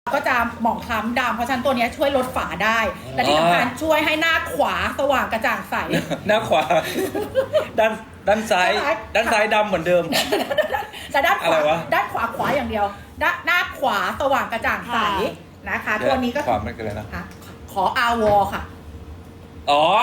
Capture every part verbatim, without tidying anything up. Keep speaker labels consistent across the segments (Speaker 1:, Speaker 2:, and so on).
Speaker 1: ก็จะหมองคล้ำดำเพราะฉะนั้นตัวนี้ช่วยลดฝาได้ และที่สำคัญช่วยให้หน้าขวาสว่างกระจ่างใส
Speaker 2: หน้าขวาด้านด้านซ้ายด้านซ้ายดำเหมือนเดิม
Speaker 1: แต่ด้านขวาด้านขวาขวาอย่างเดียวด้านหน้าขวาสว่างกระจ่างใสนะคะตัวนี้ก็
Speaker 2: ขวามันกันเลยนะ
Speaker 1: ขออาวอค่ะ
Speaker 2: อ๋อ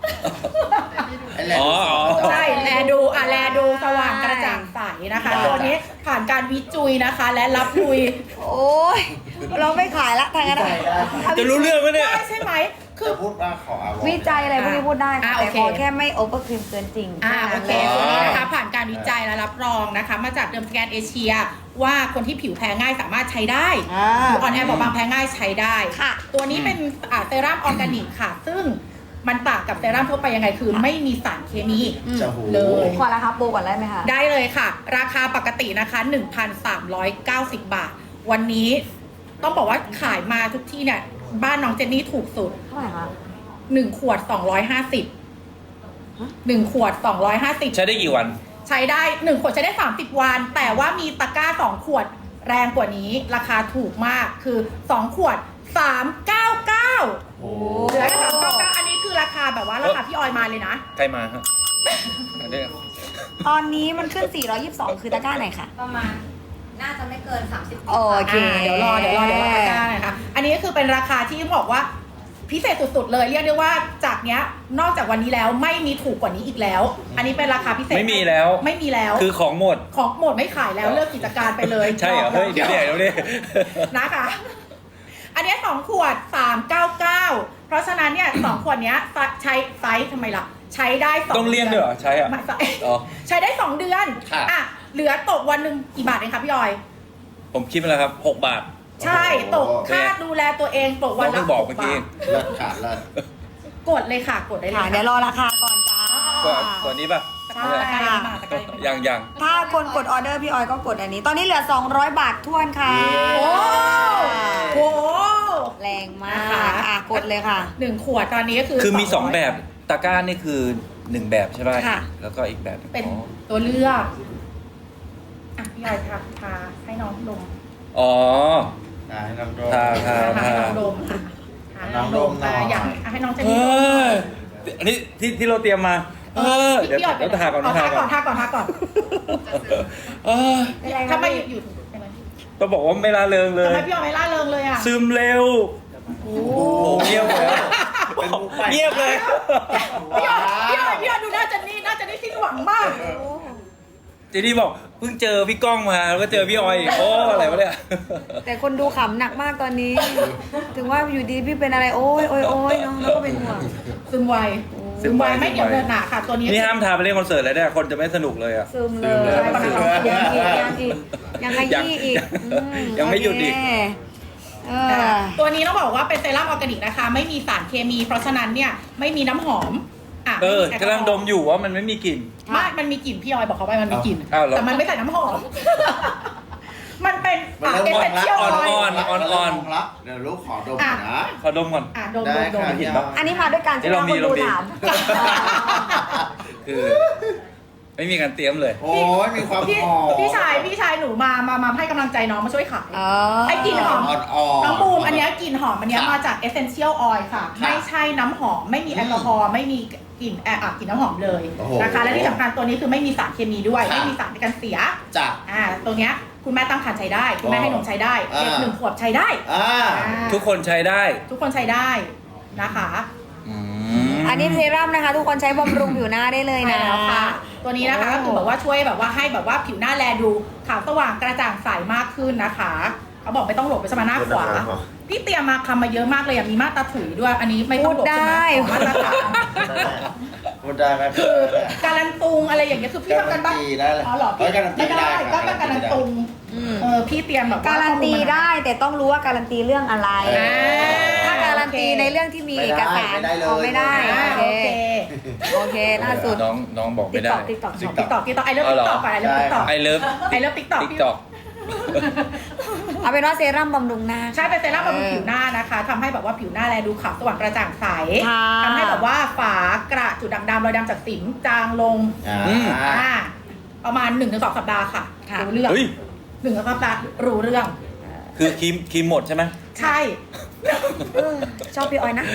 Speaker 1: อ๋อใช่แลดูอ่ะแลดูสว่างกระจ่างใสนะคะตัวนี้ผ่านการวิจัยนะคะและรับลุย
Speaker 3: โอ้ยเราไม่ขายละทางนั้น
Speaker 2: จะรู้เรื่องไหมเนี่ย
Speaker 1: ใช่ไหมคือ
Speaker 4: พูดว่าขออาว
Speaker 3: วิจัยอะไรพวกนี้พูดได้แต่ขอแค่ไม่โอเวอร์ครีมเกินจริง
Speaker 1: อ่าโอเคตัวนี้นะคะผ่านการวิจัยและรับรองนะคะมาจากเดิมสแกนเอเชียว่าคนที่ผิวแพ้ง่ายสามารถใช้ได้ผิวอ่อนแอบอบบางแพ้ง่ายใช้ได้ตัวนี้เป็นเซรั่มออร์แกนิกค่ะซึ่งมันต่างกับเซรั่มทั่วไปยังไงคือไม่มีสารเคมี
Speaker 3: เลยขอราคาโปรก่อนได้ไหมคะ
Speaker 1: ได้เลยค่ะราคาปกตินะคะ หนึ่งพันสามร้อยเก้าสิบ บาทวันนี้ต้องบอกว่าขายมาทุกที่เนี่ยบ้านน้องเจนนี่ถูกสุด
Speaker 3: เท่าไหร่คะ
Speaker 1: หนึ่งขวดสองร้อยห้าสิบหนึ่งขวดสองร้อยห้าสิบ
Speaker 2: ใช้ได้กี่วัน
Speaker 1: ใช้ได้หนึ่งขวดใช้ได้สามสิบวันแต่ว่ามีตะกร้าสองขวดแรงกว่านี้ราคาถูกมากคือสองขวดสามร้อยเก้าสิบเก้าเหลือแค่สามร้อยเก้าสิบเก้าอันนี้คือราคาแบบว่าราคาพี่ออยมาเลยนะ
Speaker 2: ใครมาครับ
Speaker 3: ตอนนี้มันขึ้นสี่ร้อยยี่สิบสองคือตะกร้าไหนคะ
Speaker 5: ประมาณน่าจะไม่เกินสามสิบ
Speaker 3: โอเค
Speaker 1: เดี๋ยวรอเดี๋ยวรอเดี๋ยวรอตะกร้านะคะอันนี้ก็คือเป็นราคาที่บอกว่าพิเศษสุดๆเลยเรียกได้ว่าจากเนี้ยนอกจากวันนี้แล้วไม่มีถูกกว่านี้อีกแล้วอันนี้เป็นราคาพิเศษ
Speaker 2: ไม่มีแล้ว
Speaker 1: ไม่มีแล้ว
Speaker 2: คือของหมด
Speaker 1: ของหมดไม่ขายแล้วเลิกกิจการไปเลย
Speaker 2: ใช่เหรอเฮ้ยเดี๋ยวเดี๋ยวเดี๋ยว
Speaker 1: นะคะอันนี้สองขวดสามร้อยเก้าสิบเก้าเพราะฉะนั้นเนี่ยสองขวดเนี้ยใช้ไซส์ทำไมล่ะใช้ได้สอง
Speaker 2: ต้องเลี่ยงด้วยเหรอใช้อ่ะ
Speaker 1: ใช้ได้สองเดือนอ่ะเหลือตกวันหนึ่งกี่บาทเองคะพี่ออย
Speaker 2: ผมคิดมาแล้วครับหกบาท
Speaker 1: ใช่ตกค่าดูแลตัวเองตกวันละ
Speaker 2: หกบาท
Speaker 4: เลิศขาดเลิศ
Speaker 1: กดเลยค่ะกดได้เลย
Speaker 3: เดี๋ยวรอราคาก่อนจ้า
Speaker 2: ตัวนี้ป่ะ
Speaker 1: ใช่
Speaker 2: ยังยัง
Speaker 3: ถ้าคนกดออเดอร์พี่ออยก็กดอันนี้ตอนนี้เหลือสองร้อยบาทท้วนค่ะ
Speaker 1: โอ้โห
Speaker 3: แรงมากอ่ะกดเลยค่ะ
Speaker 1: หนึ่งขวดตอนนี้ก็คือ
Speaker 2: คือมีสองแบบตะกร้านี่คือหนึ่งแบบใช่ไหมแล้วก็อีกแบบ
Speaker 1: เป็นตัวเลือกอ่ะพี่ออยทาทาให้น้องดม
Speaker 2: อ๋อ
Speaker 4: ให้น้องดม
Speaker 2: ทาทา
Speaker 1: ทาน้องดมค่ะน้องดมอยากให้น้องเจนนี่
Speaker 2: อันนี้ที่ที่เราเตรียมมาเออเดี๋ยวเดี๋ยวทาก่อน
Speaker 1: ทาก่อนทาก่อนทาก่อน
Speaker 2: เออ
Speaker 1: ทำไมอยู่
Speaker 2: ต้องบอกว่าไม่ละเริงเลย
Speaker 1: ทำไมพี่ออยไม่ละเริงเลยอ่ะ
Speaker 2: ซึมเร็วโอ้เงียบเลยเงียบเลย
Speaker 1: พี่ออยพี่ออยพี่ออยดูหน้าเจนนี่หน้าเจนนี่สิ้นหวังมาก
Speaker 2: เจนนี่บอกเพิ่งเจอพี่ก้องมาแล้วก็เจอพี่ออยโอ้อะไรวะเนี่ย
Speaker 3: แต่คนดูขำหนักมากตอนนี้ถึงว่าอยู่ดีพี่เป็นอะไรโอ้ยโอ้ยโอ้ยเนาะแล้วก็เป็นห่วง
Speaker 1: ซึมไวซึมไวไม่เกี่ยวเดินหนาค่ะตัวนี้
Speaker 2: นี่ห้ามทาไปเล่นคอนเสิร์ตเลยเนี่ยคนจะไม่สนุกเลยอ่ะ
Speaker 3: ซึมเลยยังอีกยังอีกยังขยี้อีก
Speaker 2: ยังไม่หยุดอีก
Speaker 1: ตัวนี้ต้องบอกว่าเป็นเซรั่มออร์แกนิกนะคะไม่มีสารเคมีเพราะฉะนั้นเนี่ยไม่มีน้ำหอม
Speaker 2: เออกำลังดมอยู่ว่ามันไม่มีกลิ่น
Speaker 1: ไม่มันมีกลิ่นพี่ออยบอกเขาไปมันมีกลิ่นแต่มันไม่ใส่น้ำหอมมันเป็น
Speaker 4: เอเซนเชียลออยล์
Speaker 2: อ่อนอ่อนอ่อน
Speaker 4: ละเดี๋ยวลูกขอดมนะ
Speaker 2: ขอดมก่อน
Speaker 1: อ่ะดมดมดม
Speaker 2: เห็นปะ
Speaker 3: อันนี้มาด้วยการที่เราคนดูถาม
Speaker 2: คือไม่มีการเตรียมเลย
Speaker 4: โอ้ยมีความหอม
Speaker 1: พี่ชายพี่ชายหนูมามามาให้กำลังใจน้องมาช่วยขายไอ้กลิ่นหอมน้องบูมอันนี้กลิ่นหอมอันนี้มาจาก Essential Oil ค่ะไม่ใช่น้ำหอมไม่มีแอลกอฮอล์ไม่มีกลิ่นแอบกลิ่นน้ำหอมเลยนะคะและที่สำคัญตัวนี้คือไม่มีสารเคมีด้วยไม่มีสารในการเสีย
Speaker 4: จ้ะ
Speaker 1: อ่าตัวเนี้ยคุณแม่ตั้งครรภ์ใช้ได้คุณแม่ให้นมใช้ได้เด็กหนึ่งขวบใช้ได้
Speaker 2: ทุกคนใช้ได้
Speaker 1: ทุกคนใช้ได้นะคะ
Speaker 3: อันนี้เซรั่มนะคะทุกคนใช้บำรุงผิวหน้าได้เลยนะ
Speaker 1: ค่ะตัวนี้นะคะก็คือแบบว่าช่วยแบบว่าให้แบบว่าผิวหน้าแลดูขาวสว่างกระจ่างใสมากขึ้นนะคะเขาบอกไม่ต้องหลบไปสมาหน้าขวาพี่เตรียมมาคำมาเยอะมากเลยมีมาตราถุยด้วยอันนี้ไม่ต้องหลบใช่ไหมมาตรฐาน
Speaker 4: พูดได้ไหม
Speaker 1: คือการันตุงอะไรอย่างเงี้ยคือพี่ทำกันบ้างอ๋อหรอพี่ไม่ได้ก็เป็นการันตุงเออพี่เตรียมแบบ
Speaker 3: การันตีได้แต่ต้องรู้ว่าการันตีเรื่องอะไรถ้าการันตีในเรื่องที่มีเอกสารเอาไม่ได้โอเคโอเคล่าสุด
Speaker 2: น้องน้องบอกไม่ได้
Speaker 1: ติ๊กต็อกติ๊กต็อกติ๊กต็อกไอเลิฟติ๊กต็อกไอเลิฟติ๊กต็อก
Speaker 2: ไอเลิฟ
Speaker 1: ไอเลิฟติ๊กต็อก
Speaker 2: ติ๊กต็อก
Speaker 3: เอาเป็นว่าเซรั่มบำรุงหน้า
Speaker 1: ใช่เป็นเซรั่มบำรุงผิวหน้านะคะทำให้แบบว่าผิวหน้าแลดูขาวสว่างกระจ่างใสทำให้แบบว่าฝากระจุดด่างดำรอยดำจากสิวจางลงอ่าประมาณหนึ่งถึงสองสัปดาห์ค่ะรู้เรื่องหนึ่งสัปดาห์รู้เรื่อง
Speaker 2: คือครีมครีมหมดใช่ไหม
Speaker 1: ใช่
Speaker 3: เออชอบพี่ออยนะ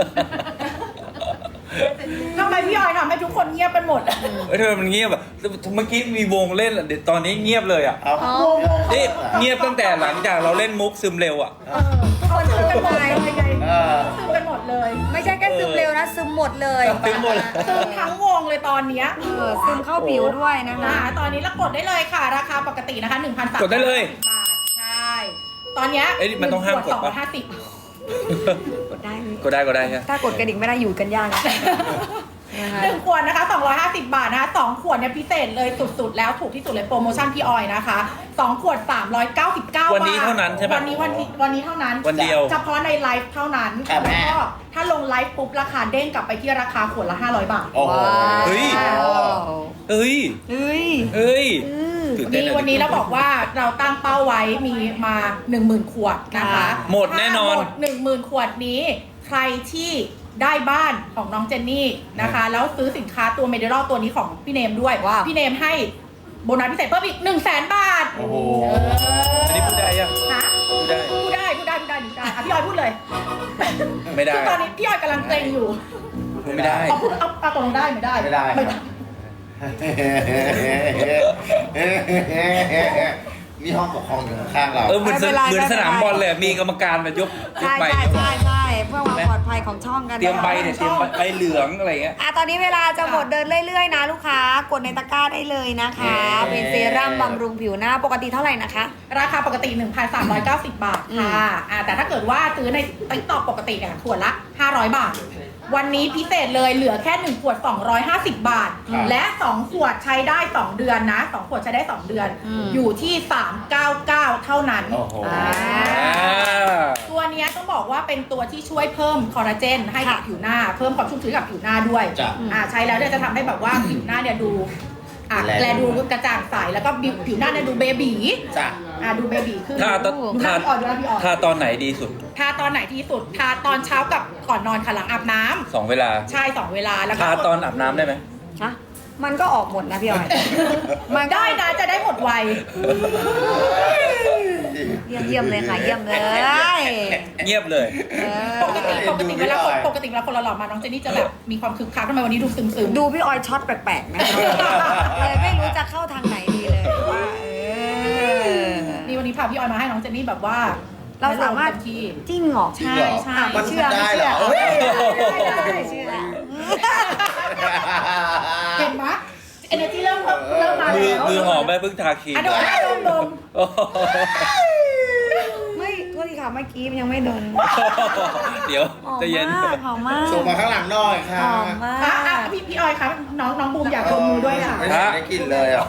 Speaker 1: ทำไมพี่ออยทำให้ทุกคนเงียบกันหมดอะ
Speaker 2: เอ้ยทำไมมันเงียบอ่ะเมื่อกี้มีวงเล่นอะเดี๋ยวตอนนี้เงียบเลยอ่ะ
Speaker 4: เอา
Speaker 1: วงวง
Speaker 2: นี่เงียบตั้งแต่หลังจากเราเล่นมุกซึมเร็วอ่ะ
Speaker 1: เออทุกคนซึมกันหมดเลยไง
Speaker 4: เออ
Speaker 1: ซึมกันหมดเลย
Speaker 3: ไม่ใช่แค่ซึมเร็วนะซึมหมดเลย
Speaker 2: ซึมหมด
Speaker 1: ซึมทั้งวงเลยตอนเนี้ย
Speaker 3: เออซึมเข้าผิวด้วยนะคะ
Speaker 1: อ่าตอนนี้เรากดได้เลยค่ะ ราคาปกตินะคะหนึ่งพันสาม
Speaker 2: กดได้เลย
Speaker 1: บาทใช่ ตอนเนี้ย
Speaker 2: เอ้ยมันต้องห้ามกด
Speaker 1: สองร้
Speaker 2: ปะ
Speaker 1: อยห้าสิบ
Speaker 3: กดได้ไหม
Speaker 2: ก็ได้ก็ได้ใช่ไหม
Speaker 3: ถ้ากดกระดิ่งไม่ได้อยู่กันยากนะนะคะ
Speaker 1: หนึ่งขวดนะคะสองร้อยห้าสิบบาทนะคะสองขวดเนี่ยพิเศษเลยสุดๆแล้วถูกที่สุดเลยโปรโมชั่นพี่ออยนะคะสองขวดสามร้อยเก้าสิบเก้าบาท
Speaker 2: วันนี้เท่านั้นใช่ไหม
Speaker 1: วันนี้วันนี้วันนี้เท่านั้น
Speaker 2: วันเดียว
Speaker 1: เฉพาะในไลฟ์เท่านั้น
Speaker 4: ครับแม่
Speaker 1: แล้วก็ถ้าลงไลฟ์ปุ๊บราคาเด้งกลับไปที่ราคาขวดละห้าร้อยบาท
Speaker 4: โอ้โห
Speaker 2: เฮ้ย เอ้ย
Speaker 3: เฮ้ย
Speaker 2: เอ้ย
Speaker 3: อืม
Speaker 2: ตื่น
Speaker 1: วัน
Speaker 2: เต้น
Speaker 1: นี้
Speaker 2: อะ
Speaker 1: วันนี้เราบอกว่าเราตั้งเป้าไว้มีมาหนึ่งหมื่นขวดนะคะ
Speaker 2: หมดแน่นอน
Speaker 1: ถ้าหมดหนึ่งหมื่นขวดนี้ ใครที่ได้บ้านของน้องเจนนี่นะคะ แล้วซื้อสินค้าตัวเมดิรอลตัวนี้ของพี่เนมด้วย
Speaker 3: ว้าว
Speaker 1: พี่เนมให้โบนัสพิเศษเพิ่มอีกหนึ่งแสนบาท
Speaker 4: โอ้โห
Speaker 2: อันนี้พูดได้ยัง
Speaker 1: ฮะ
Speaker 2: พูดได้
Speaker 1: พูดได้พูดได้พูดได้พูดได้อ่ะพี่ออยพูดเลย
Speaker 2: ไม่ได้
Speaker 1: คือตอนนี้พี่ออยกำลังเกรงอยู่
Speaker 2: พูดไม่ได้
Speaker 1: เอาพูดเอาเอาตกลงได้ไม่ได้
Speaker 4: ไม่ได้
Speaker 1: ไม่ได้
Speaker 4: นี่ห้องปกครองอยู่ข้างๆเรา
Speaker 2: เออเหมือนส
Speaker 3: ไม่เป็นไร
Speaker 2: เหมือนสนาม
Speaker 3: ไม่เป็นไร
Speaker 2: บอลเลยมีกรรมการมายกยก
Speaker 3: ใช่
Speaker 2: ใบ
Speaker 3: ใช่ใช่ใช่เพื่อความปลอดภัยของช่องกัน
Speaker 2: เตรียมใบ
Speaker 3: นะคะ
Speaker 2: เนี่ยเตรียมใบใบเหลืองอะไรเงี้ย
Speaker 3: อ่ะตอนนี้เวลาจะหมดเดินเรื่อยๆนะลูกค้ากดในตะกร้าได้เลยนะคะ
Speaker 4: เย้
Speaker 3: เป็นเซรั่มบำรุงผิวหน้าปกติเท่าไหร่นะคะ
Speaker 1: ราคาปกติ หนึ่งพันสามร้อยเก้าสิบ บาทค่ะอ่าแต่ถ้าเกิดว่าซื้อในติ๊กต็อกปกติเนี่ยขวดละ ห้าร้อย บาท วันนี้พิเศษเลยเหลือแค่ หนึ่ง ขวด สองร้อยห้าสิบ บาท
Speaker 4: ครับ
Speaker 1: และ สอง ขวดใช้ได้ สอง เดือนนะ สอง ขวดใช้ได้ สอง เดือน
Speaker 3: อืม
Speaker 1: อยู่ที่ สามร้อยเก้าสิบเก้า เท่านั้น
Speaker 4: โอ้โห
Speaker 3: อ่า
Speaker 1: ตัวเนี้ยต้องบอกว่าเป็นตัวที่ช่วยเพิ่มคอลลาเจนให้กับ
Speaker 3: ค่ะ
Speaker 1: ผิวหน้า เพิ่มความชุ่มชื้นกับผิวหน้าด้วย
Speaker 4: จ้ะ
Speaker 1: อ่าใช้แล้วเนี่ยจะทำให้แบบว่าผิวหน้าเนี่ยดูอ่ะ
Speaker 4: แล
Speaker 1: แลดูกระจ่างใสแล้วก็ผิวหน้าเนี่ยดูเบบี
Speaker 4: จ้ะ
Speaker 1: อ่ะดูเบบีขึ้น
Speaker 2: ถ้าตอน
Speaker 1: ดูหน้าพี่ออยดูหน้าพี่ออย
Speaker 2: ถ้าตอนไหนดีสุด
Speaker 1: ทาตอนไหนที่สุด ทาตอนเช้ากับก่อนนอนค่ะหลังอาบน้ำ
Speaker 2: สองเวลา
Speaker 1: ใช่สองเวลาแล้วก็
Speaker 2: ทาตอนอาบน้ำได้ไหม
Speaker 3: ฮะมันก็ออกหมดนะพี่ออย
Speaker 1: มันได้นะจะได้หมดไว
Speaker 3: เยี่ยมเยี่ยมเลยค่ะเยี่ยมเลย
Speaker 2: เงียบเลย
Speaker 3: เออ
Speaker 1: ปกติปกติ
Speaker 4: ดู
Speaker 1: เวลาคน
Speaker 4: พี่ออย
Speaker 1: ปกติเวลาคนเราหล่อมาน้องเจนนี่จะแบบมีความคึกคักทำไมวันนี้ดูซึมซึมๆ
Speaker 3: ดูพี่ออยช็อตแปลกๆนะคะเลยไม่รู้จะเข้าทางไหนดีเลยว่าเออ
Speaker 1: นี่วันนี้พาพี่ออยมาให้น้องเจนนี่แบบว่า
Speaker 3: เราสามารถ
Speaker 1: เต็ที่
Speaker 3: จริงเหรอ
Speaker 1: ใช่ใช่
Speaker 4: มัน
Speaker 3: เชื่อ
Speaker 4: ได้เหรอ
Speaker 3: ไม่
Speaker 4: เฮ้ย
Speaker 3: เชื่อไม่เชื่อ
Speaker 1: เห็นไหมเอเนจีเริ่มเริ่มมา
Speaker 2: มือ
Speaker 1: แล้ว
Speaker 2: มือหอมไปเพิ่งทาครีม
Speaker 1: อ่ะดมดมดม
Speaker 2: โอ้โห
Speaker 3: ไม่โทษทีค่ะเมื่อกี้มันยังไม่โดน
Speaker 2: เดี๋ยว
Speaker 3: หอม
Speaker 2: ใจะเย็น
Speaker 3: มากหอมมาก
Speaker 4: ส่งมาข้างหลังหน่อยค่ะ
Speaker 3: หอมมา
Speaker 1: อ่ะอ่ะ
Speaker 3: ก
Speaker 1: พี่พี่ออยครับน้องน้องบูมอยากดมมือด้วยค่ะ
Speaker 4: ไม่ได้ได้กลินเลยอ่ะ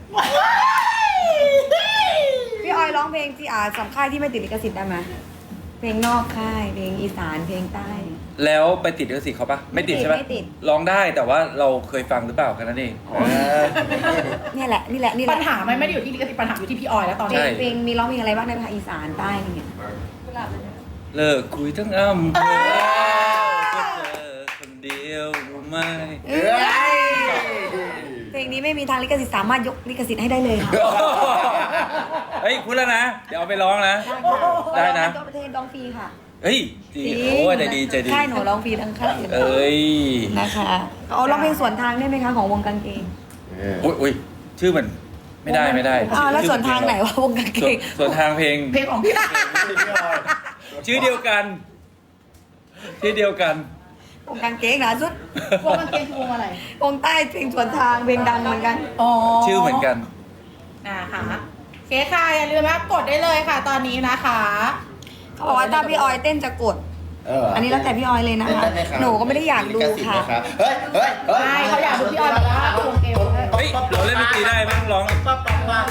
Speaker 3: พี่ออยร้องเพลงที่อ่าสำค่ายที่ไม่ติดลิขสิทธิ์ได้ไหมเพลงนอกค่ายเพลงอีสานเพลงใต้
Speaker 2: แล้วไปติดลิขสิทธิ์เขาปะไม่ติดใช่ปะ
Speaker 3: ไม่ติด
Speaker 2: ร้องได้แต่ว่าเราเคยฟังหรือเปล่าแค่นั้นเอง
Speaker 3: เนี่ยแหละนี่แหละนี่แห
Speaker 1: ปั
Speaker 3: ละ
Speaker 1: ญหามันไม่ได้อยู่ที่ลิขสิทธิ์ปัญหาอยู่ที่พี่ออยแล้วตอน
Speaker 3: เพล
Speaker 1: นี้
Speaker 2: ใช่
Speaker 3: งเพลงมีร้องเพลงอะไรบ้างในภาคอีสานใต้อะไรเงี้ย
Speaker 2: เลิกคุยทั้งอำเภอก็เจอคนเดียวรู้ไหม
Speaker 3: เอ้ยเพลงนี้ไม่มีทางลิขสิทธิ์สามารถยกลิขสิทธิ์ให้ได้เลยค่ะ
Speaker 2: เฮ้ยพูดแล้วนะ เดี๋ยวเอาไปร้องนะ ได้นะ
Speaker 3: ตัวประเทศร้องฟรีค่ะ
Speaker 2: เฮ้ยดีโอ้ยใจดีใจดี
Speaker 3: ค่ายหนูร้องฟรีทั้งค่าย
Speaker 2: เอ้ย
Speaker 3: นะคะเอาร้องเพลงสวนทางได้ไหมคะของวงกางเกง
Speaker 2: อุ้ยอุ้ยชื่อมันไม่ได้ไม่ได้
Speaker 3: อ้าวแล้วสวนทางไหนวะวงกางเก
Speaker 2: ส่วน
Speaker 3: ง
Speaker 2: ส่วนทางเพลง
Speaker 1: เพลงของพี่
Speaker 2: ชื่อเดียวกัน ชื่อเดียวกัน
Speaker 3: วงกางเกงนะสุด
Speaker 1: วงกางเกงคือวงอะไร
Speaker 3: วงใต้เพลงสวนทางเพลงดังเหมือนกัน
Speaker 1: อ๋อ
Speaker 2: ชื่อเหมือนกัน
Speaker 1: นะคะเคสค่ะอย่าลืมนะกดได้เลยค่ะตอนนี้นะคะ
Speaker 3: เขาบอกว่าถ้าพี่ออยเต้นจะกด
Speaker 4: เออ
Speaker 3: อั
Speaker 4: อั
Speaker 3: นนี้แล้วแต่พี่ออยเลยนะคะ หนูก็ไม่ได้อยากดูค่ะ
Speaker 4: เฮ้ยเฮ้ยเฮ้ย
Speaker 1: ใช่เขาอยากดูพี่ออยแบบว่าควงเอว
Speaker 2: เฮ้ยเราเล่นดนตรีได้ไม่ต้องร้อง
Speaker 4: ปั๊บปั๊บปั๊บ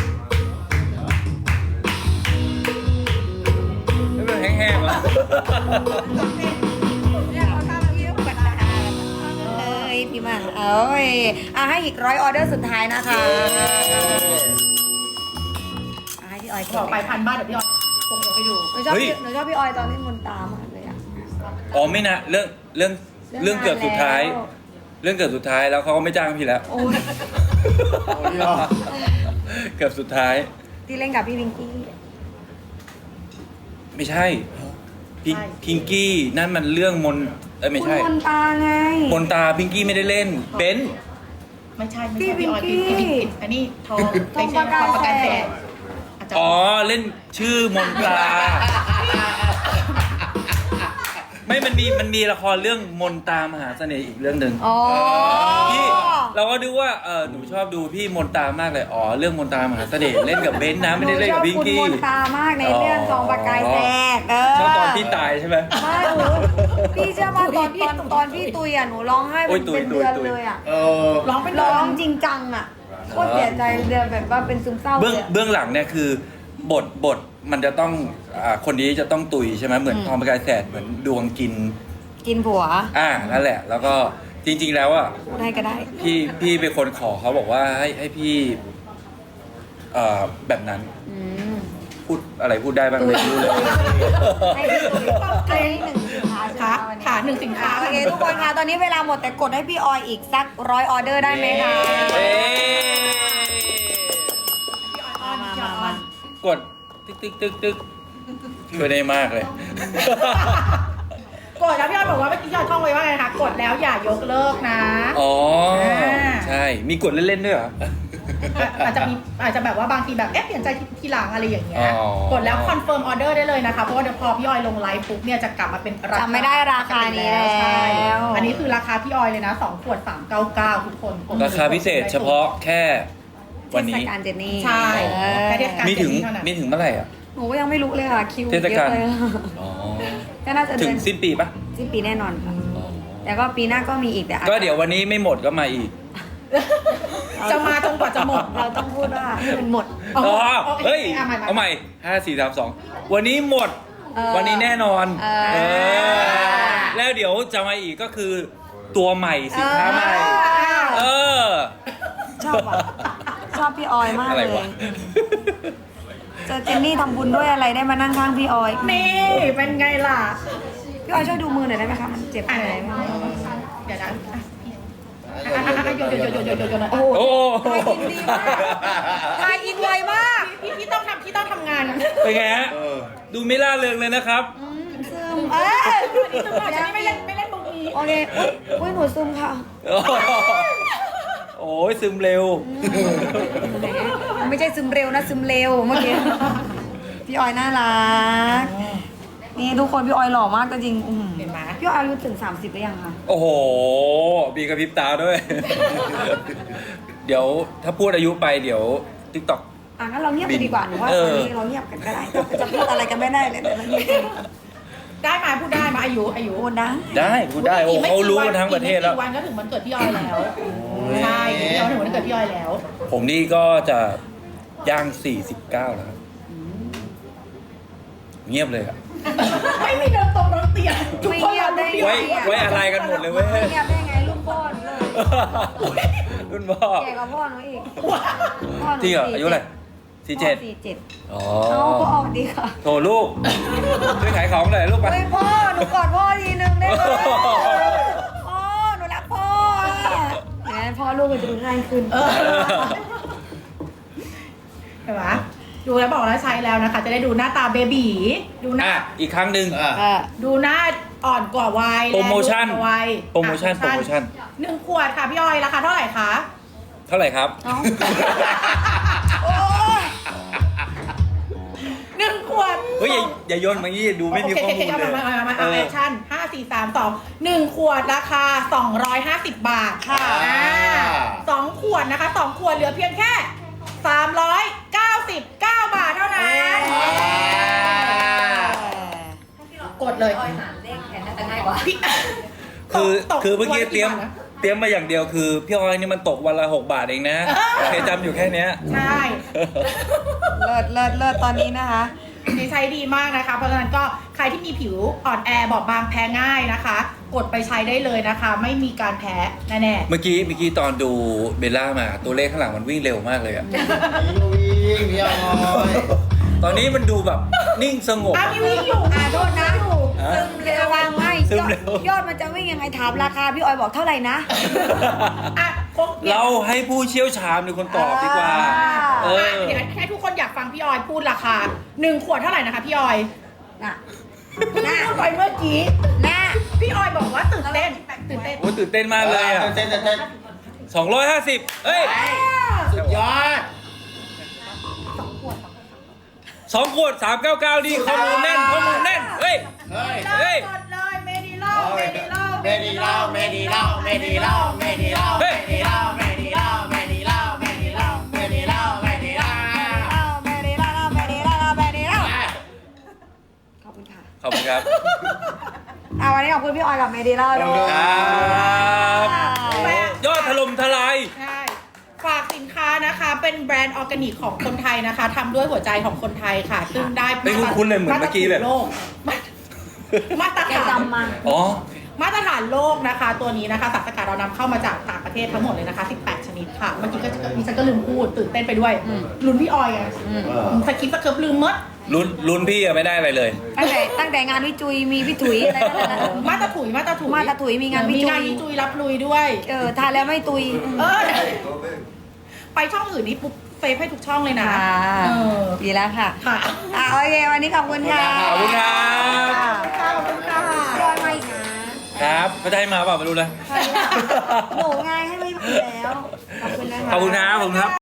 Speaker 2: ไม่เป็นแห้งๆหรอ
Speaker 3: เอ้ยพี่มาเอ้ยอ่ะให้อีกร้อยออเดอร์สุดท้ายนะคะอ่ะให้พี่ออย
Speaker 1: บอกไปพันบ้านเดี๋ยวพี่ออยควงเอวให้ดู
Speaker 3: หนูชอบพี่หนูชอบพี่ออยตอนเล่นมนตามากเลยอ่ะ
Speaker 2: อ๋อไม่นะเรื่องเรื่องเรื่องเกือบสุดท้าย เรื่องเกือบสุดท้ายแล้วเขาก็ไม่จ้างพี่แล้ว
Speaker 3: โอ้ย
Speaker 4: โอ้ยอ่ะ
Speaker 2: เกือบสุดท้าย
Speaker 3: ที่เล่นกับพี่วิงกี้
Speaker 2: ไม่ใช่พิงพิงกี้นั่นมันเรื่องมนเอ้ยไม่
Speaker 3: คุณ
Speaker 2: ใช่
Speaker 3: มนตาไง
Speaker 2: มนตาพิงกี้ไม่ได้เล่นเบนซ์
Speaker 1: ไม่ใช่ไม่
Speaker 3: พี่
Speaker 1: ใช่พี่ออย
Speaker 3: พิ
Speaker 1: พี่
Speaker 3: งกี้
Speaker 1: พี่อันนี้ทอง
Speaker 3: ทอง
Speaker 1: ไม่ใช่
Speaker 3: ประกาย
Speaker 1: ทองประกาย
Speaker 3: แส
Speaker 1: แส
Speaker 3: ง
Speaker 1: งอาจจะ
Speaker 2: อ๋อเล่นชื่อมนตราไม่มันมีมันมีละครเรื่องมนตามหาเสน่ห์อีกเรื่องหนึ่ง
Speaker 3: อ๋อ
Speaker 2: พี่เราก็ดูว่าเออหนูชอบดูพี่มนตามากเลยอ๋อเรื่องมนตามหาเสน่ห์เล่นกับเบนซ์นะไม่ได้เล่นกับพิงกี้
Speaker 3: หนูชอบคุณมนตามากในเรื่องทองประกายแสงเออ
Speaker 2: ชอบตอนพี่ตายใช่ไหม
Speaker 3: ไม่หนูพี่เชื่อป่ะตอนตอนตอนพี่ตุยอ่ะหนูร้องไห้
Speaker 2: โอ้
Speaker 3: เป็
Speaker 2: ย
Speaker 3: น
Speaker 2: ตุย
Speaker 3: เป็น
Speaker 2: ตุย
Speaker 3: เดือน
Speaker 2: ตุย
Speaker 3: เลยอ่ะ
Speaker 4: เออ
Speaker 1: ร้องเป็น
Speaker 3: ร้
Speaker 1: ร้
Speaker 3: อ
Speaker 1: อง ง
Speaker 3: จริงจังอ่ะโคตรเสียใจเลยแบบว่าเป็นซึมเศร้าเล
Speaker 2: เบื้อง
Speaker 3: ยอะ
Speaker 2: เบื้องหลังเนี่ยคือบทบทมันจะต้องอ่าคนนี้จะต้องตุยใช่ไหมเหมือน
Speaker 3: อืม
Speaker 2: ทองประกายแสดเหมือนดวงกิน
Speaker 3: กินผัว
Speaker 2: อ่านั่นแหละ แล้วก็จริง ๆ แล้วอ่ะ
Speaker 3: พูดให้ก็ได้
Speaker 2: พี่พี่เป็นคนขอเขาบอกว่าให้ให้พี่เอ่อแบบนั้น
Speaker 3: อืม
Speaker 2: พูดอะไรพูดได้บ้างไม่รู้เลย
Speaker 3: ให้พี่ตุยให้หนึ่งสินค้า
Speaker 1: ค่ะ
Speaker 3: ใช่ไหมวันนี้
Speaker 1: ค่ะหนึ่งสินค้า
Speaker 3: โอเคทุกคนคะตอนนี้เวลาหมดแต่กดให้พี่ออยอีกสักร้อยออเดอร์ได้ไหมคะ
Speaker 2: เอ้ย
Speaker 1: พี่ออยอ้อน
Speaker 3: มา
Speaker 1: พี่อ
Speaker 3: มา
Speaker 1: อยอ้อ
Speaker 3: มาน
Speaker 2: กดตึกตึกตึกตึกช่วยได้มากเลย
Speaker 1: กดแล้วพี่ออยบอกว่าเมื่อกี้พี่ออยท่องไว้ว่าไงคะกดแล้วอย่ายกเลิกนะ
Speaker 2: อ๋อ
Speaker 1: อ่า
Speaker 2: ใช่มีกดเล่นๆด้วยเหรอ
Speaker 1: อาจจะมีอาจจะแบบว่าบางทีแบบเอ๊ะเปลี่ยนใจทีหลังอะไรอย่างเงี้ย
Speaker 2: อ๋อ
Speaker 1: กดแล้วคอนเฟิร์มออเดอร์ได้เลยนะคะเพราะว่าเดี๋ยวพอพี่ออยลงไลฟ์ปุ๊บเนี่ยจะกลับมาเป็นราคา
Speaker 3: จำไม่ได้ราคานี้แล้ว
Speaker 1: ใช่อันนี้คือราคาพี่ออยเลยนะสองขวดสามเก้าเก้าทุกคนกด
Speaker 2: ราคาพิเศษเฉพาะแค่วันนี้
Speaker 3: เทศกาลเจนนี่
Speaker 1: ใช่
Speaker 3: เออ
Speaker 1: แค่เทศกาล
Speaker 2: มีถึง
Speaker 1: เท่านั้น
Speaker 2: มีถึงเมื่อไหร่อ่ะ
Speaker 3: หนูก็ยังไม่รู้เลยค่ะคิว
Speaker 2: เทศกาล
Speaker 3: เยอะเลย
Speaker 2: อ๋อ
Speaker 3: ก็น่าจะ
Speaker 2: ถึ
Speaker 3: เดื
Speaker 2: ง
Speaker 3: อน
Speaker 2: สิ้นปีปะ
Speaker 3: สิ้นปีแน่นอนค่ะแต่ก็ปีหน้าก็มีอีกแต่อาจ
Speaker 2: ก็เดี๋ยววันนี้ไม่หมดก็มาอีก
Speaker 1: จะมาจนกว่าจะหมด
Speaker 3: เราต้องพูดว่าให้มันหมด
Speaker 1: อ๋
Speaker 2: อ๋
Speaker 1: อ
Speaker 2: อ
Speaker 1: โอเค
Speaker 2: เฮ้ย
Speaker 1: เอาใหม่ๆ
Speaker 2: เอาใหม่ห้าสี่สามสองวันนี้หมด
Speaker 3: เออ
Speaker 2: วันนี้แน่นอน
Speaker 3: เออ
Speaker 2: เออแล้วเดี๋ยวจะมาอีกก็คือตัวใหม่สินค้าใหม่ เออ
Speaker 3: ชอบอ่ะชอบพี่ออยมาก
Speaker 2: อะไร
Speaker 3: เล
Speaker 2: วะ
Speaker 3: ยเจอเจนนี่ทำบุญด้วยอะไรได้มานั่งข้างพี่ออย
Speaker 1: นี่เป็นไงล่ะ
Speaker 3: พี่ออยช่วยดูมือหน่อยได้ไหมคะมันเจ็บ
Speaker 1: อ่ะ
Speaker 3: อะไร
Speaker 1: ไหน
Speaker 3: ไหม
Speaker 1: เดี๋ยวนะอ่ะอ่ะอ่ะอ่ะโยนโยนโยนโยนโยนโยน
Speaker 3: โอ้
Speaker 2: โอ้
Speaker 3: ทายอินดีมากทายอินไวมาก
Speaker 1: พี่พี่ต้องทำพี่ต้องทำงาน
Speaker 2: เป็นไงฮะ
Speaker 4: เออ
Speaker 2: ดูไม่ล่าเริงเลยนะครับ
Speaker 3: อืมซึมเอ้ย
Speaker 1: นี่ตลอดฉันไม่เล่นไม่เล่นมุกนี้
Speaker 3: โอเคอุ้ยอุ้ยหนูซึมค่ะ
Speaker 2: โอ้ยซึมเร็ว
Speaker 3: มันไม่ใช่ซึมเร็วนะซึมเร็วเมื่อกี้ พี่ออยน่ารัก นี่ทุกคนพี่ออยหล่อมากก็จริงอื้อหือ
Speaker 1: เห็นไหม
Speaker 3: พี่ออยอายุถึงสามสิบหรือยังคะ
Speaker 2: โอ้โหมีกระพริบตาด้วย เดี๋ยวถ้าพูดอายุไปเดี๋ยวทิกตอก
Speaker 3: อ่ะงั้นเราเงียบกันดีกว่าหนูว่า
Speaker 2: เอ
Speaker 3: ตอน
Speaker 2: อ
Speaker 3: นี้เราเงียบกันก็ได้จะพูดอะไรกันไม่ได้เลยเดี๋ยวเราเงียบกัน
Speaker 1: ได้มาพูดได้มาอายุอายุ
Speaker 3: โอ้นะ
Speaker 2: ได้พูดได้โอ้เขารู้กันทั้งประเทศแล้ว
Speaker 1: อีกไม่กี่วันก็ถึงวันเกิดพี่ออยแล้วใช่พี่ออยถึงวันเกิดพี่ออยแล้ว
Speaker 2: ผมนี่ก็จะย่างสี่สิบเก้าแล้วครับเงียบเลยอะ
Speaker 1: ไม่มีเดินตรงรถเตียงทุก
Speaker 3: ไม่
Speaker 1: คน
Speaker 3: เงียบได้
Speaker 1: รู้
Speaker 3: ไง
Speaker 2: ไว้ไว้อะไรกันหมดเลยเว้ย
Speaker 3: ไม่เงียบได้ไงลูกพ่อหนูเลย
Speaker 2: รุ่นพ่อ
Speaker 3: แก่กว่าพ่อหนูอีกพ่อหนู
Speaker 2: จริงเหรออายุอะไรสี่เจ็ด
Speaker 3: สี่เจ็ด
Speaker 2: อ๋อ
Speaker 3: เอาก็ออกดีค่ะ
Speaker 2: โถลูกช่วยขายของหน่อยลูกไป
Speaker 3: เฮ้ยพ่อหนูกอดพ่อทีนึงได้ไหมพ่อหนูรักพ่ออะแหมพ่อลูกมันจะดูง่ายขึ้น
Speaker 1: เออเห็นไหมดูแล้วบอกแล้วใช้แล้วนะคะ จะได้ดูหน้าตาเบบีดูหน้า
Speaker 2: อ่ะอีกครั้งหนึ่ง
Speaker 4: อ่ะ
Speaker 3: เออ
Speaker 1: ดูหน้าอ่อนกว่าวัย
Speaker 2: โปรโมชั่น
Speaker 1: และดูกว่าวัย
Speaker 2: โปรโมชั่น
Speaker 1: อ่ะ
Speaker 2: โปรโมชั่น
Speaker 1: หนึ่งขวดค่ะพี่ออยราคาเท่าไหร่คะ
Speaker 2: เท่าไหร่ครับ
Speaker 3: เนาะ
Speaker 1: โอ้ยหนึ่งขวด
Speaker 2: เฮ้ยอย่าอย่าโยนมางี้ดูไม่มีข้อมูล
Speaker 1: โเคโเค
Speaker 2: เลย
Speaker 1: เอามามามามา
Speaker 2: เอ
Speaker 1: เอา
Speaker 2: อ
Speaker 1: แอคชั่นห้าสี่สามสองหนึ่งขวดราคาสองร้อยห้าสิบบาทค่ะ
Speaker 4: อ่า
Speaker 1: สองขวดนะคะสองขวดเหลือเพียงแค่สามร้อยเก้าสิบเก้าบาทเท่านั้น กดเลย
Speaker 5: ออยหารเลขแทนน่าจะง่ายกว่า
Speaker 1: พี่
Speaker 2: คือ
Speaker 1: ตก
Speaker 2: คือเมื่อกี้
Speaker 1: วันละ
Speaker 2: เตรียม
Speaker 1: บาทนะ
Speaker 2: เตรียมมาอย่างเดียวคือพี่ออยนี่มันตกวันละหกบาทเองนะเคยจำอยู่แค่เนี้ย
Speaker 1: ใช่
Speaker 3: เลิศเลิศเลิศตอนนี้นะคะ
Speaker 1: นี่ใช้ดีมากนะคะ เพราะฉะนั้นก็ใครที่มีผิวอ่อนแอบอบบางแพ้ง่ายนะคะ กดไปใช้ได้เลยนะคะ ไม่มีการแพ้แน่
Speaker 2: เมื่อกี้เมื่อกี้ตอนดูเบลล่ามาตัวเลขข้างหลังมันวิ่งเร็วมากเลยอะ
Speaker 4: วิ่งพี่ออย
Speaker 2: ตอนนี้มันดูแบบนิ่งสง
Speaker 1: ๆ
Speaker 2: บ
Speaker 1: อ่ะพี่วิ่งอยู่
Speaker 3: อ่ะโทษนะ
Speaker 2: อ่ะ
Speaker 3: ซึมเร็ววางไม่
Speaker 2: ซึ
Speaker 3: ย
Speaker 2: ม
Speaker 3: อด
Speaker 2: เร็ว
Speaker 3: ยอดมันจะวิ่งยังไงถามราคาพี่ออยบอกเท่าไหร่นะ
Speaker 1: อ่ะคงเนี่ย
Speaker 2: เราให้ผู้เชี่ยวชาญเป็นคนตอบดีกว่า
Speaker 3: อ่า
Speaker 2: เอ
Speaker 1: อ่ะ
Speaker 2: อ
Speaker 1: เดี๋ยวให้ทุกคนอยากฟังพี่ออยพูดราคาหนึ่งขวดเท่าไหร่นะคะพี่ออย
Speaker 3: น่ะ
Speaker 1: เพิ่งพูดไปเมื่อกี้
Speaker 3: น่ะ
Speaker 1: พี่ออยบอกว่าตื่นเต้นตื่นเต้น
Speaker 2: โอ้ตื่นเต้นมากเลยอ่ะ
Speaker 4: เต้นเต้นเต้น
Speaker 2: สองร้อยห้าสิบเอ้ย
Speaker 4: สุดยอด
Speaker 2: สองขวดสามเก้าเก้าดีข้อมูลแน่นข้อมูลแน่นเฮ้ย
Speaker 4: เฮ้ย
Speaker 2: เฮ้ย
Speaker 1: กดเลยเมดิเล่าเมดิเล่า
Speaker 4: เมดีเล่าเมดีเล่าเมดีเล่าเมดีเล่าเมดีเล่าเมดีเล่าเมดีเล่าเมดีเล่าเมดีเล่าเมดีเล่า
Speaker 3: แม่ดีแล้วแม่ดีแล้วแม่ดีแล้วขอบคุณค่ะ
Speaker 2: ขอบคุณครับ
Speaker 3: เอาวันนี้ขอบคุณพี่ออยกับเมดีแล้วด้วย
Speaker 2: ครับยอดถล่มทลาย
Speaker 1: ใช่ฝากสินค้านะคะเป็นแบรนด์ออร์แกนิกของคนไทยนะคะทำด้วยหัวใจของคนไทยค่ะ ซึ่งได้
Speaker 2: เป็นคุ้นๆเลยเหมือนเมื่อกี้แบบ
Speaker 1: มาตรฐานโลกมาตร
Speaker 3: แก
Speaker 1: ฐาน
Speaker 3: จำมา
Speaker 2: อ๋อ
Speaker 1: มาตรฐานโลกนะคะ ตัวนี้นะคะสารสกัดเรานำเข้ามาจากต่างประเทศทั้งหมดเลยนะคะสิบแปดชนิดค่ะเมื่อกี้ก็ดิฉันก็ลืมพูดตื่นเต้นไปด้วยลุ้นพี่ออยไงสคริปต์สเคิร์ฟลืมหมด
Speaker 2: ลุ้นลุ้นพี่อะไม่ได้อะไรเลย
Speaker 3: ตั้งแต่ตั้งแต่งานวิจุยมีพี่ถุยอะไรนั่นน่ะ
Speaker 1: มาตรถุยมาตรถุย
Speaker 3: มาตรถุยมีงานวิจุย
Speaker 1: มีงานวิจุยรับลุยด้วย
Speaker 3: เออทานแล้วไม่ตุย
Speaker 1: เออไปช่องอื่นนี่ปุ๊บเซฟให้ทุกช่องเลยนะ
Speaker 3: ค่ะ
Speaker 1: เออ
Speaker 3: ดีแล้วค่ะ
Speaker 1: ค่ะ
Speaker 3: อ่ะโอเควันนี้ขอบคุณค่ะ
Speaker 2: ขอบคุณครับ
Speaker 1: ขอบคุณค่ะ
Speaker 3: รอยมาอีกนะครับ
Speaker 2: เขาจะให้มาเปล่าไม่รู้นะ
Speaker 3: หนูไงให้ไม่มาแล้วขอบคุณนะคะ
Speaker 2: ขอบคุณครับขอบคุณครับ